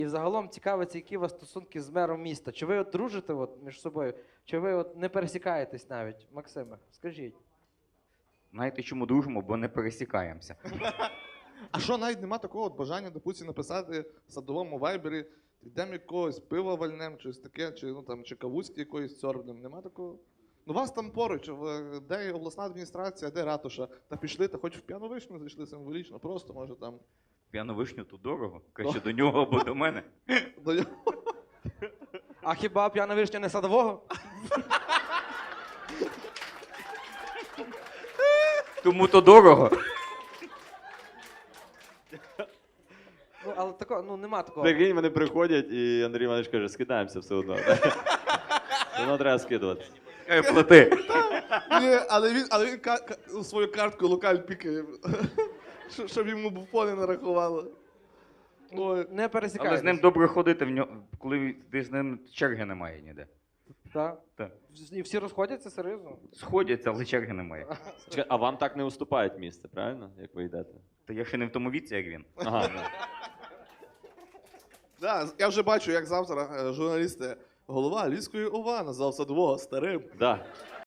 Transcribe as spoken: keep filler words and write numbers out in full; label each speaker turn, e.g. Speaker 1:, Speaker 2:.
Speaker 1: І взагалом цікавиться, які у вас стосунки з мером міста. Чи ви от дружите от між собою, чи ви от не пересікаєтесь навіть? Максиме, скажіть.
Speaker 2: Знаєте, чому дружимо? Бо не пересікаємося.
Speaker 3: А що, навіть нема такого от бажання, допустим, написати в садовому вайбері, йдемо якогось пива вальнем, чи таке, чи, ну, там, чи кавузьки якоїсь цьорбнем. Нема такого? Ну вас там поруч, в- де обласна адміністрація, де ратуша. Та пішли, та хоч в п'яну вишню зайшли символічно, просто, може, там.
Speaker 2: П'яну вишню тут дорого. Краще до нього або до мене.
Speaker 3: До нього.
Speaker 1: А хіба п'яна вишня не садового?
Speaker 2: Тому то дорого.
Speaker 1: Ну, але такого, ну нема такого.
Speaker 4: Прикинь, вони приходять, і Андрій Іванович каже, скидаємося все одно. Все одно треба скидувати.
Speaker 2: Хай плати.
Speaker 3: Ні, але він, але він ка- ка- свою картку локаль пікає, щоб- щоб йому буфони нарахували. Ой.
Speaker 1: Не
Speaker 2: Але
Speaker 1: пересікаєтесь.
Speaker 2: з ним добре ходити, в нього, коли ти з ним черги немає ніде.
Speaker 1: Так.
Speaker 2: Так.
Speaker 1: І всі розходяться серйозно?
Speaker 2: Сходяться, але черги немає.
Speaker 4: Чекай, а вам так не уступають місце, правильно? Як ви йдете?
Speaker 2: Та я ще не в тому віці, як він.
Speaker 4: Ага. ну.
Speaker 3: Да, я вже бачу, як завтра е, журналісти голова Львівської ОВА назвав Садового старим.
Speaker 4: Да.